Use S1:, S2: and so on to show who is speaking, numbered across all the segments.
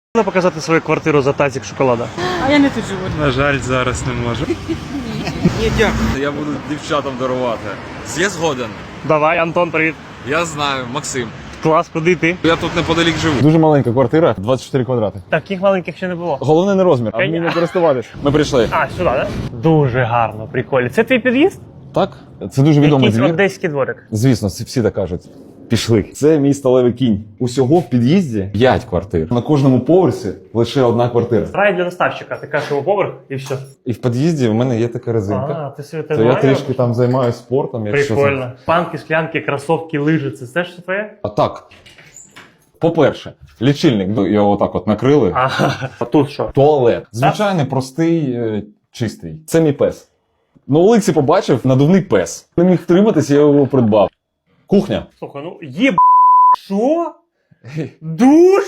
S1: Можна показати свою квартиру за тазик шоколада?
S2: А я не тут живу.
S3: На жаль, зараз не можу. Ні, дякую. Я буду дівчатам дарувати. Я згоден.
S1: Давай, Антон, привіт.
S3: Я знаю, Максим.
S1: Клас, куди йти?
S3: Я тут неподалік живу.
S4: Дуже маленька квартира, 24 квадрати.
S1: Таких маленьких ще не було.
S4: Головне не розмір, а вміння користуватись. Ми прийшли.
S1: А, сюди, так? Дуже гарно, прикольно. Це твій під'їзд?
S4: Так? Це дуже відомий
S1: Якийсь
S4: двір.
S1: одеський дворик.
S4: Звісно, всі так кажуть. Пішли. Це мій сталевий кінь. Усього в під'їзді 5 квартир. На кожному поверсі лише одна квартира.
S1: Рай для доставщика, ти кажеш його поверх і все.
S4: І в під'їзді в мене є така резинка.
S1: А, ти собі
S4: То я трішки там займаюся спортом. Якщо
S1: прикольно. Панки, склянки, кросовки, лижи, це все ж твоє?
S4: А так. По-перше, лічильник, його отак от накрили.
S1: А тут що?
S4: Туалет. Звичайний, простий, чистий. Це мій пес. На вулиці побачив надувний пес. Не міг втриматися, я його придбав. Кухня.
S1: Слухай, ну що? Душ?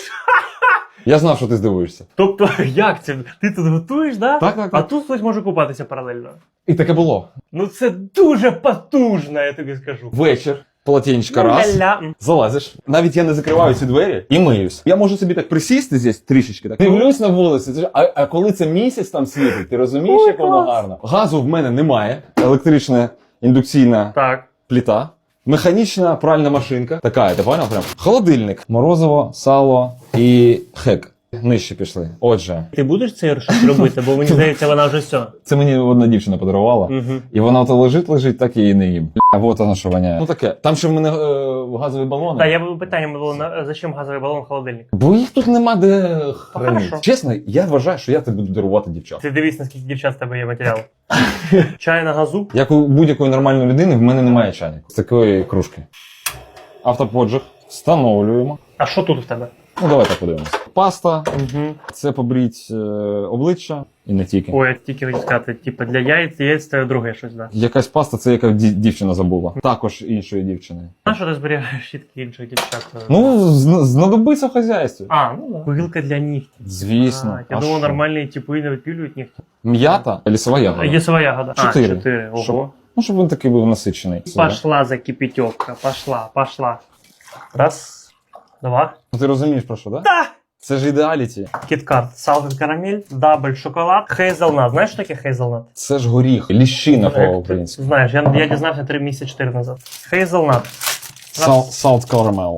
S4: Я знав, що ти здивуєшся.
S1: Тобто, як це? Ти тут готуєш, да?
S4: Так.
S1: А тут хтось може купатися паралельно.
S4: І таке було.
S1: Ну це дуже потужно, я тобі скажу.
S4: Вечір, полотенечко раз,
S1: Ля-ля.
S4: залазиш. Навіть я не закриваю ці двері і миюсь. Я можу собі так присісти здесь трішечки, так дивлюсь на вулиці. А коли це місяць там світить, ти розумієш,
S1: Ой,
S4: як воно
S1: клас.
S4: гарно? Газу в мене немає. Електрична індукційна
S1: Так.
S4: плита. Механічна пральна машинка. Така, ти поняв? Прям. Холодильник. Морозиво, сало і хек. Нижче пішли. Отже,
S1: Ти будеш це щось робити, бо мені здається, вона вже все.
S4: це мені одна дівчина подарувала.
S1: Угу.
S4: І вона то лежить, так і не їм. А от вона що воняє. Ну таке. Там ще в мене газові балони.
S1: Так, я б питання було, зачем газовий балон в холодильник?
S4: Бо їх тут нема де хранити.
S1: хорошо.
S4: Чесно, я вважаю, що я тобі буду дарувати дівчат.
S1: Ти дивись, наскільки дівчат в тебе є матеріалу. Чай на газу.
S4: Як у будь-якої нормальної людини, в мене немає чайника. З такої кружки. Автоподжиг. Встановлюємо.
S1: А що тут в тебе?
S4: Ну, давайте подивимося. Паста.
S1: Угу.
S4: Це побріть обличчя. І не тільки.
S1: Ой, я тільки хотів сказати, типу, для яєць це друге щось, да.
S4: Якась паста, це яка дівчина забула. Також іншої дівчини.
S1: А що ти зберігаєш щітки інших дівчат?
S4: Ну, знадобиться в хазяйстві.
S1: А, ну да. Пилка для нігтів.
S4: Звісно.
S1: Я
S4: А
S1: думав,
S4: що?
S1: нормальні типи не відпілюють нігті.
S4: М'ята, лісова ягода.
S1: Лісова ягода.
S4: Чотири.
S1: А, 4. Ого.
S4: Щоб- Ну, щоб він такий був насичений.
S1: Пошла закипятёвка, пошла. Раз, два.
S4: Ну, ти розумієш про що, так? Да?
S1: Да!
S4: Це ж ідеаліті.
S1: Кіткат, салфет карамель, дабель шоколад, хейзелнат. Знаєш, що таке хейзелнат?
S4: Це ж горіх, ліщина по-українськи.
S1: Знаєш, я дізнався 3 місяці 4 назад. Хейзелнат.
S4: Salt caramel.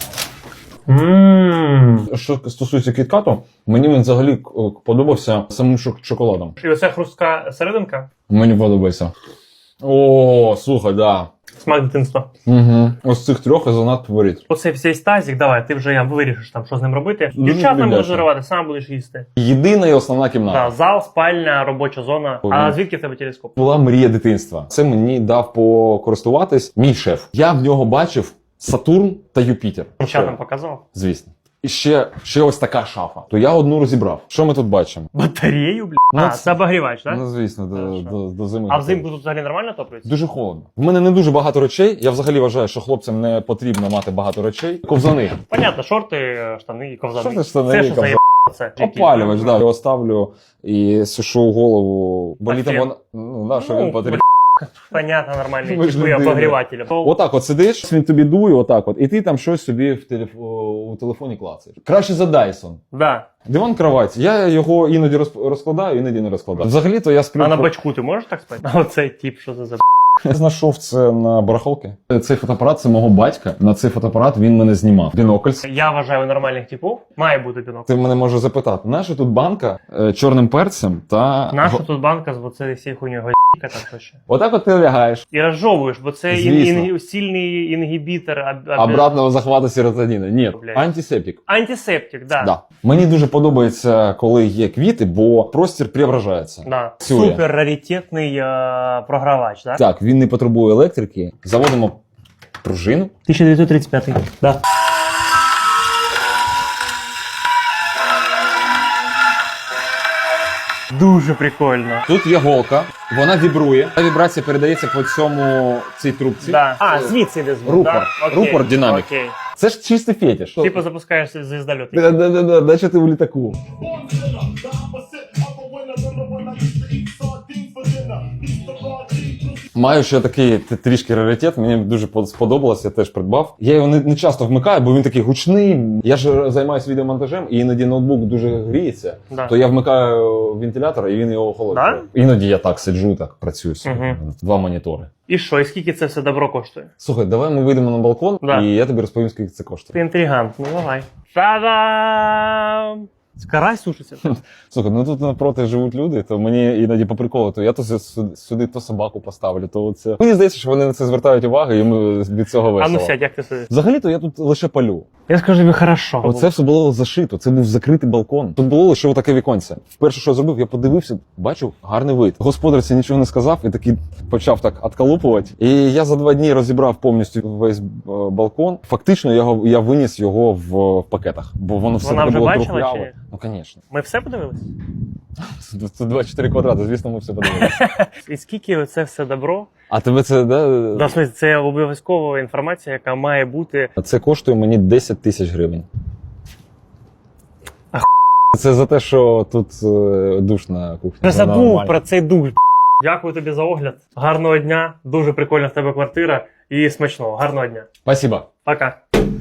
S1: Ммм.
S4: Що стосується кіткату, мені він взагалі подобався самим шоколадом.
S1: І оця хрустка серединка.
S4: Мені подобається. О, слухай, да.
S1: Смак дитинства.
S4: Угу. Ось цих трьох я занадто фаворит.
S1: Оцей всей тазик, давай, ти вже вирішиш там, що з ним робити.
S4: Дуже
S1: Дівчат не
S4: любляче.
S1: будеш дарувати, сам будеш їсти.
S4: Єдина і основна кімната.
S1: Да, зал, спальня, робоча зона.
S4: Ой.
S1: А звідки в тебе телескоп?
S4: Була мрія дитинства. Це мені дав покористуватись мій шеф. Я в нього бачив Сатурн та Юпітер.
S1: Дівчатам показав.
S4: Звісно. І ще ось така шафа. То я одну розібрав. Що ми тут бачимо?
S1: Батарею, бля.
S4: Ну,
S1: А,
S4: це-
S1: це обогрівач, так?
S4: Ну, звісно, до зими.
S1: А взимку тут взагалі нормально топлюється?
S4: Дуже холодно. В мене не дуже багато речей. Я взагалі вважаю, що хлопцям не потрібно мати багато речей. Ковзани.
S1: Понятно, шорти, штани і ковзани.
S4: Шорти, штани
S1: Все,
S4: і
S1: що
S4: ковзани.
S1: заєбало, це.
S4: Опалювач, да. Його ставлю і сушу голову. Бо
S1: А
S4: літом
S1: фен?
S4: вона... Ну, да, що
S1: Ну,
S4: він потрібен.
S1: Понятно, нормальний
S4: Ми ж
S1: типу
S4: людина.
S1: обогрівателів.
S4: Отак от сидиш, він тобі дує, отак от. І ти там щось собі у телефоні клацаєш. Краще за Dyson.
S1: Да.
S4: Диван кровать. Я його іноді розкладаю, іноді не розкладаю. Взагалі-то я сплю...
S1: А на бачку ти можеш так спати? А оцей тип, що це за
S4: Я знайшов це на барахолки. Цей фотоапарат – це мого батька. На цей фотоапарат він мене знімав. Бінокль.
S1: Я вважаю, у нормальних типів має бути бінокль.
S4: Ти мене можеш запитати, наша тут банка чорним перцем та...
S1: Наша тут банка з оцею всією хуйньою гайка, там що ще.
S4: Отак от ти лягаєш.
S1: І розжовуєш, бо це
S4: Звісно.
S1: сильний інгібітор.
S4: Обратного захвату серотоніну. Ні,
S1: Блядь.
S4: антисептик.
S1: Антисептик, да.
S4: Да. Мені дуже подобається, коли є квіти, бо простір преображається.
S1: Да.
S4: Цює.
S1: Супер раритетний програвач, да?
S4: Так, він не потребує електрики. Заводимо пружину.
S1: 1935. Да. Дуже прикольно.
S4: Тут є голка, вона вібрує. Та вібрація передається по цій трубці.
S1: Да. А, звідси йде звук,
S4: Рупор.
S1: да? Окей.
S4: Рупор динамік.
S1: Окей.
S4: Це ж чистий фетиш.
S1: Типу запускаєшся з звіздольоту.
S4: Да, наче ти в літаку. Маю ще такий трішки раритет, мені дуже сподобалось, я теж придбав. Я його не часто вмикаю, бо він такий гучний. Я ж займаюся відеомонтажем, і іноді ноутбук дуже гріється,
S1: Да.
S4: то я вмикаю вентилятор, і він його охолоджує.
S1: Да?
S4: Іноді я так сиджу, так працюю собі.
S1: Мгм.
S4: Два монітори.
S1: І що, і скільки це все добро коштує?
S4: Слухай, давай ми вийдемо на балкон,
S1: Да.
S4: і я тобі розповім, скільки це коштує.
S1: Ти інтригант, ну давай. Та-дам! Карась сушиться.
S4: Слухай, ну тут навпроти живуть люди, то мені іноді по приколу, то я то сюди то собаку поставлю, то оце. Мені здається, що вони на це звертають увагу, і йому від цього
S1: А
S4: весело.
S1: ну сядь, як ти сидиш?
S4: Взагалі-то я тут лише палю.
S1: Я скажу тобі хорошо.
S4: Оце все було зашито, це був закритий балкон. Тут було лише отаке віконце. Вперше, що я зробив, я подивився, бачу, гарний вид. Господарці нічого не сказав і такий почав так отколупувати. І я за 2 дні розібрав повністю весь балкон. Фактично я виніс його в пакетах, бо воно все
S1: Вона
S4: таке
S1: вже
S4: було
S1: бачила
S4: трухляве.
S1: чи ні?
S4: Ну, звісно.
S1: Ми все подивились?
S4: Це 24 квадрати, звісно, ми все подивилися.
S1: І скільки це все добро?
S4: А тебе це, да?
S1: Да, в смысле, це обов'язкова інформація, яка має бути.
S4: Це коштує мені 10 тисяч гривень.
S1: А
S4: Це за те, що тут душ на кухні.
S1: Не
S4: Це
S1: забув
S4: нормально.
S1: про цей душ. Дякую тобі за огляд. Гарного дня. Дуже прикольна в тебе квартира. І смачного. Гарного дня.
S4: Спасибо.
S1: Пока.